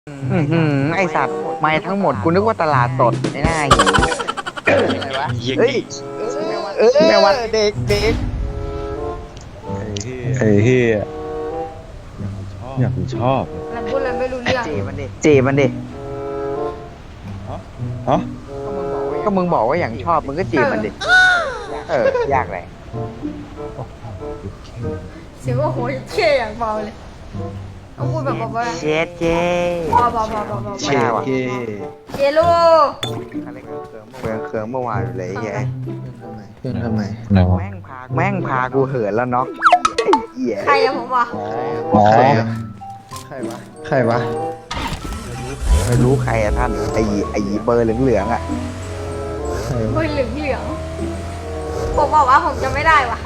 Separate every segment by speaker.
Speaker 1: ไอสัตว์ไม่ทั้งหมดกูนึกว่าตลาดสดไอ้หน้าหิวอะไรวะเฮ้ยแม่วัดเด็ก
Speaker 2: ไอ้เฮียอยากชอบ
Speaker 3: มันพูดอะไรไม่รู้เรื่อง
Speaker 1: เจมันดิ
Speaker 2: ฮะ
Speaker 1: ก็มึงบอกว่าอย่างชอบมึงก็จีบมันดิยากเลย
Speaker 3: เสียงว่าโหยเท่อย่างเบาเลยต้องพูดแบบเบาๆ
Speaker 1: เจ
Speaker 3: เบา
Speaker 1: ใช่ว่ะ
Speaker 3: เจลู
Speaker 1: เคืองเมื่อวานเลยไง
Speaker 2: เพื่อนทำไม
Speaker 1: แม่งพากูเหินแล้วเนาะ
Speaker 3: ใครอะผมวะ
Speaker 2: อ๋อใครวะ
Speaker 1: ไม่รู้ใครอะท่านไอ้เบอร์เหลืองๆอะ
Speaker 3: เบอร์เหลืองผมบอกว่าผมจะไม่ได้ว่ะ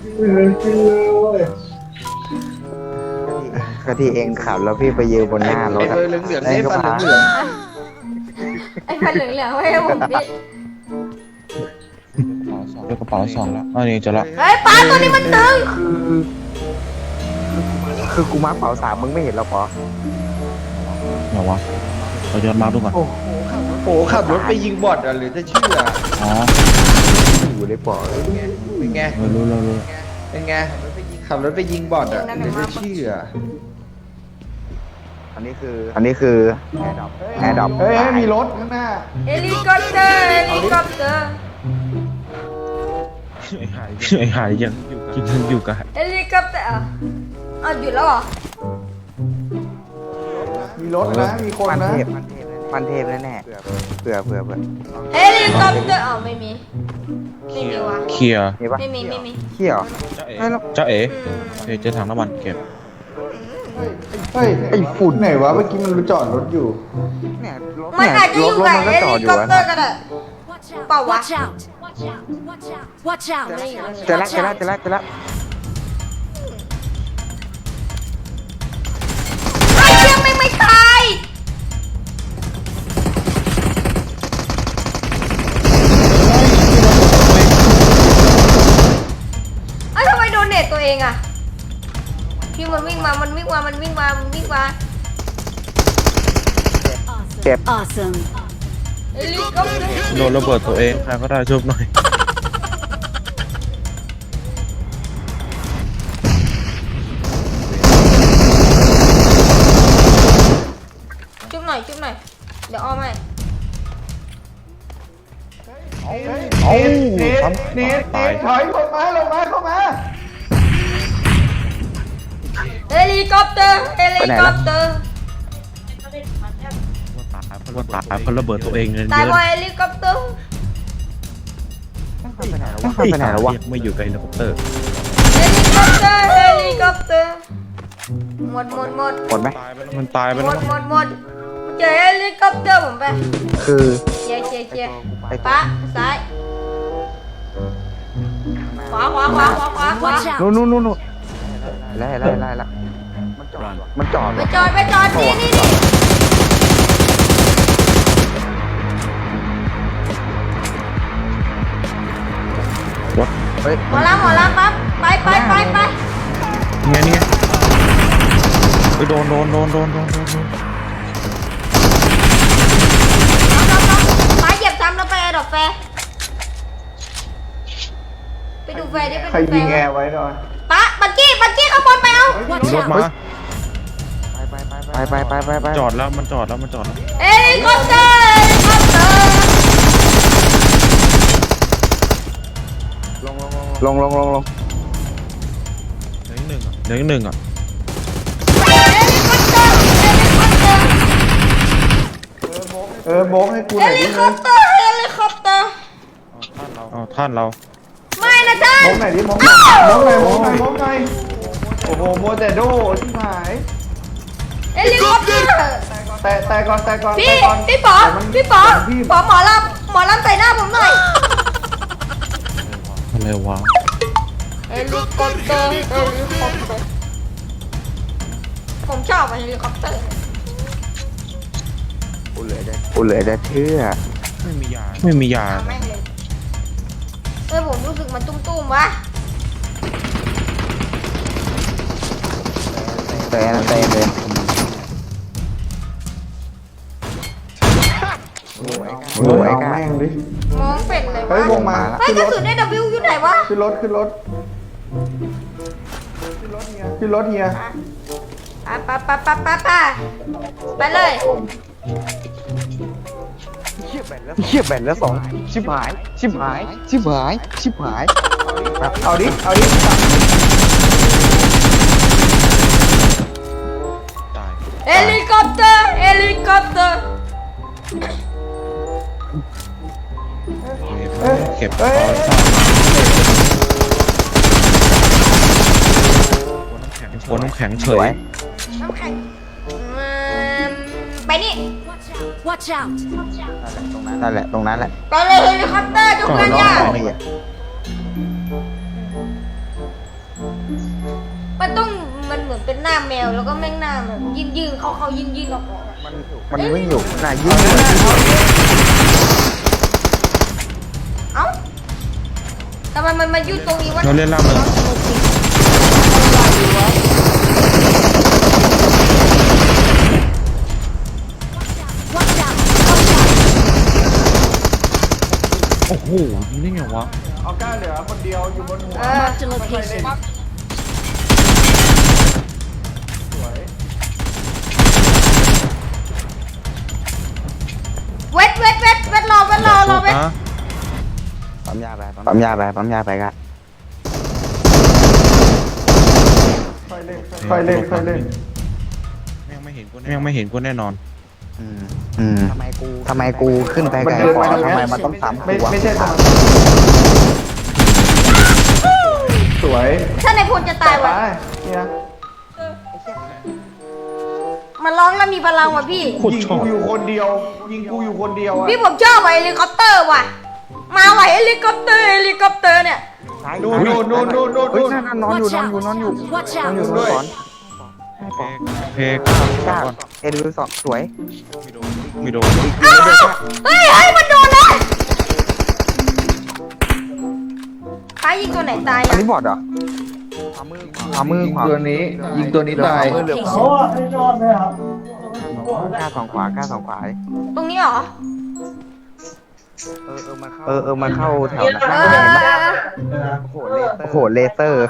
Speaker 1: ก็ที่เองขับแล้วพี่ไปยืนบนหน้ารถ
Speaker 2: ไอ้เบอร์เหลืองๆนี่ฟันเหลือง
Speaker 3: ไอ้ฟันเหลืองๆไม่ให้ผมพี่
Speaker 2: กระเป๋าสองแล้วอันนี้จะละ
Speaker 3: เฮ้ยป้าตัวนี้มันตึง
Speaker 1: คือกูมาร์คเป๋า3มึงไม่เห็นหรอปอ
Speaker 2: ไหนวะเราย้อนมาดูก่อน
Speaker 4: โอ้โหขับรถไปยิงบอทอ่ะหรือจะเชื่อ
Speaker 2: อ๋อ
Speaker 1: อยู่ในปอ
Speaker 4: เป็นไง
Speaker 2: เรารู้
Speaker 4: เป็นไงขับรถไปยิงบอทอ่ะหรือจะเชื่อ
Speaker 1: อันนี้คือแอร์ดรอป
Speaker 4: เฮ้ยมีรถข้างหน้า
Speaker 3: เฮลิคอปเตอร์
Speaker 2: ไอ้หายยังอยู่กับ
Speaker 3: เฮลิคอปเตอร์หยุดแล้วเหรอ
Speaker 4: มีรถนะมีคนนะ
Speaker 1: พันเทพแน่เผื่อ
Speaker 3: เฮลิคอปเตอร์ไม่มีวะ
Speaker 2: เคลียร์
Speaker 3: ไม่มี
Speaker 1: เขี้ยว
Speaker 2: เจ้าเอ๋เจ๊ถังน้ำมันเก็บ
Speaker 4: เฮ้ยไอ้ฝุ่นไหนวะเมื่อกี้มันจอดรถอยู่
Speaker 3: มันอาจจะอยู่กับเฮลิคอปเตอร์ก็ได้เปล่าวะ
Speaker 1: เจอแล้ว
Speaker 3: ไอ้เชี่ยไม่ตายทำไมโดนเน็ตตัวเองอะที่มันวิ่งมา
Speaker 1: เจ็บ
Speaker 2: โดนระเบิดตัวเองใครก็ได้ช่วยหน่อย
Speaker 3: จุ๊บหน่อยเดี๋ยวอ้อมให้
Speaker 4: เนทถอยลงมา
Speaker 3: เฮลิคอปเตอร์
Speaker 2: ว่าตายเพราะระเบิดตัวเองเงินเย
Speaker 3: ตาย
Speaker 2: อะ
Speaker 3: เพราะเฮลิคอปเตอร์
Speaker 1: ไปไหนแล้ววะ
Speaker 2: ไม่อยู่กับเฮลิคอปเตอร์
Speaker 3: เฮลิคอปเตอร์หมด
Speaker 1: ไหม
Speaker 2: มันตายไปแล้ว
Speaker 3: หมดเจอเฮลิคอปเตอร์ผมไป
Speaker 1: คือ
Speaker 3: เจียป้าซ้ายขวา
Speaker 1: นู่นไล่มันจอด
Speaker 3: นี่
Speaker 1: เฮ้ย
Speaker 3: หมอลำปั๊บไป
Speaker 2: นี่ไงไปโดน
Speaker 3: ป้าเหยียบซ้ำแล้วไปดอกแฟไปดูแฟดิ
Speaker 4: ใครยิงแอร์ไว้หน่อย
Speaker 3: ป้าบักกี้ข้างบนไปเอา
Speaker 2: รถมา
Speaker 1: ไป
Speaker 2: จอดแล้วมันจอดแล้ว
Speaker 3: เฮลิคอปเตอร์
Speaker 1: ลง
Speaker 2: เหลืออีกหนึ่งอ่ะ
Speaker 3: เฮลิคอปเตอร์
Speaker 4: โบ๊กให้กูหน่อยดิ
Speaker 3: เฮลิคอปเตอร์
Speaker 2: ท่านเรา
Speaker 3: ไม่นะท่าน
Speaker 4: โบ๊กไหนดิโบ๊กไหนโอ้โหโมเดโดที่หาย
Speaker 3: เฮลิคอปเตอร์
Speaker 4: แต่ก่อน
Speaker 3: พี่ป๋อหมอลำใส่หน้าผมหน่อย
Speaker 2: อะไรวะ
Speaker 3: เฮลิคอปเตอร์ผมชอบเฮลิคอปเตอร์
Speaker 1: กูเหลือได้เชื่อ
Speaker 2: ไม่มียา
Speaker 3: แม่งเลยผมรู้สึกมันตุ้มๆวะ
Speaker 1: เตะเลยโอ้ย
Speaker 4: เอา
Speaker 1: กล้า
Speaker 4: แม่งดิ
Speaker 3: มองเป็นเลยว
Speaker 4: เฮ้ยว
Speaker 3: ะ
Speaker 4: วงมา
Speaker 3: เฮ้ย
Speaker 4: ขึ้น
Speaker 3: ก
Speaker 4: ร
Speaker 3: ระ
Speaker 4: ถ
Speaker 3: สุนได้ W อยู่ไหนวะ
Speaker 4: ขึ้นรถขึ้นรถขึ้นรถเฮีย
Speaker 3: ไปเลย
Speaker 1: เชี่ยแบนแล้วสองชิบหายชิบหายชิบหายชิบหายครับ
Speaker 4: เอาดิเอาดิ
Speaker 2: ตาย
Speaker 3: เฮลิคอปเตอร์เฮลิคอปเตอร์
Speaker 2: เก็บค
Speaker 4: เฮ้
Speaker 2: อย ซ่าหัวน้ำแข็งเฉ
Speaker 1: สวย
Speaker 2: ย
Speaker 3: น้ำแข็งไปนี่
Speaker 5: Watch out!
Speaker 1: นั่นแหละตรงนั้นแหละ
Speaker 3: ไปเลยเฮลิคอปเตอร์จุกกันย่า
Speaker 1: ไม่อะ
Speaker 3: มันต้องมันเหมือนเป็นหน้าแมวแล้วก็แม่งหน้าแบบยืนเขายืนออก
Speaker 1: มันวิ่งอยู่น่ะยิง
Speaker 3: เอ้าทำไมมันมายืนตรงนี้วะ
Speaker 2: เราเล่นล่าเมืองโอ้โหยิงได้ไงวะ
Speaker 4: เอาก้าเหลือคนเดียวอยู่บนหัว
Speaker 5: Marked a location.
Speaker 3: เวทรอเวท
Speaker 2: ฮะ
Speaker 1: ปั๊มยาไปปั๊มยาไปกัน
Speaker 4: ค่อยเล่นค่อยเล่นค่อยเล่น
Speaker 2: แม่งไม่เห็นกูแน่นอน
Speaker 1: ทำไมกูขึ้นไปไกลกว่าทำไมมันต้องซ้ำ
Speaker 4: ไม่
Speaker 1: ตัว
Speaker 4: ไม่ใช่ตรงสวย
Speaker 3: ถ้าในพลจะตายวะ
Speaker 4: ไปเนี่ย
Speaker 3: มันร้องแล้วมีพลังว่ะพี่
Speaker 2: โคตร
Speaker 4: ยิง
Speaker 2: ชอบ
Speaker 4: กูอยู่คนเดียวยิงกูอยู่คนเดียวอะ
Speaker 3: พี่ผมชอบว่ะเฮลิคอปเตอร์ว่ะ มาว่ะเฮลิคอปเตอร์เนี่ย
Speaker 4: นู่นนู่น
Speaker 1: เฮ้ยนั่นนอนอยู่
Speaker 5: Watch
Speaker 1: นอนอยู่
Speaker 5: out!
Speaker 1: นอนสอน
Speaker 2: เพก
Speaker 1: กล้าเอ็นดูสองสวย
Speaker 2: ไม่โดน
Speaker 3: อ้าวเฮ้ยมันโดนเลยใครยิงตัวไหนตาย
Speaker 1: อัน
Speaker 3: อ่ะ
Speaker 1: นี้บอดเหรอขวามือ
Speaker 4: ยิง
Speaker 1: ขวา
Speaker 4: ตัวนี้ยิงตัวนี้ตาย
Speaker 1: เหลือกล้าสองขวา
Speaker 3: ตรงนี้เหรอ
Speaker 1: มาเข้าแถวนั้น
Speaker 3: เออ
Speaker 1: โอ้โหเลเซอร์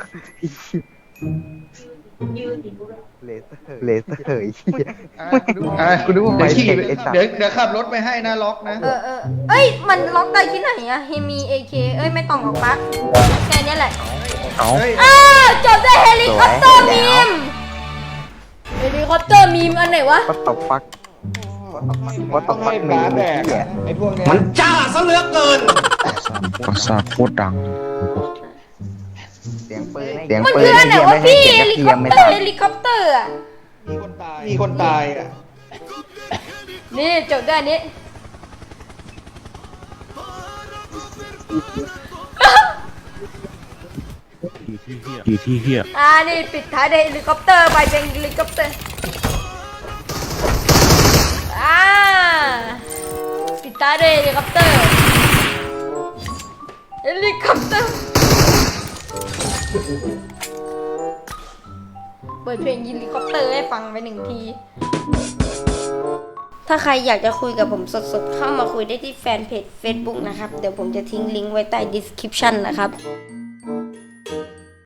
Speaker 1: เลเซอร์กูนึกว่าไป
Speaker 4: ขี่
Speaker 1: เทคไอ้สัตว์
Speaker 4: เดี๋ยวขับรถไปให้นะล็อกนะ
Speaker 3: เอ้ยมันล็อกได้ที่ไหนอะเฮมีเอเคเอ้ยไม่ต้องหรอกปะแค่นี้แหละ
Speaker 2: เอา
Speaker 4: เฮ้ย
Speaker 3: จบได้เฮลิคอปเตอร์มีมเฮลิคอปเตอร์มีมอันไหนวะ
Speaker 1: วัตถุฟักมีเนี่ย
Speaker 4: ไอ้พวกเนี้ย
Speaker 2: ก็ซ่าโคตรดัง
Speaker 1: เสียงปืน
Speaker 3: มันคืออันไหนวะพี่เฮลิคอป
Speaker 1: ไม่
Speaker 3: เตอ
Speaker 1: ทั
Speaker 3: ร์
Speaker 1: น
Speaker 3: เฮลิคอปเตอร์อะ
Speaker 4: มีคนตายอ่ะ
Speaker 3: นี่จบได้อันนี้
Speaker 2: อยู่ที่เฮีย
Speaker 3: นี่ปิดท้ายด้วยเฮลิคอปเตอร์ไปเป็นเฮลิคอปเตอร์ปิดท้ายด้วยเฮลิคอปเตอร์เปิดเพลงเฮลิคอปเตอร์ให้ฟังไปหนึ่งที ถ้าใครอยากจะคุยกับผมสดๆ เข้ามาคุยได้ที่แฟนเพจ Facebook นะครับ เดี๋ยวผมจะทิ้งลิงก์ไว้ใต้ description นะครับ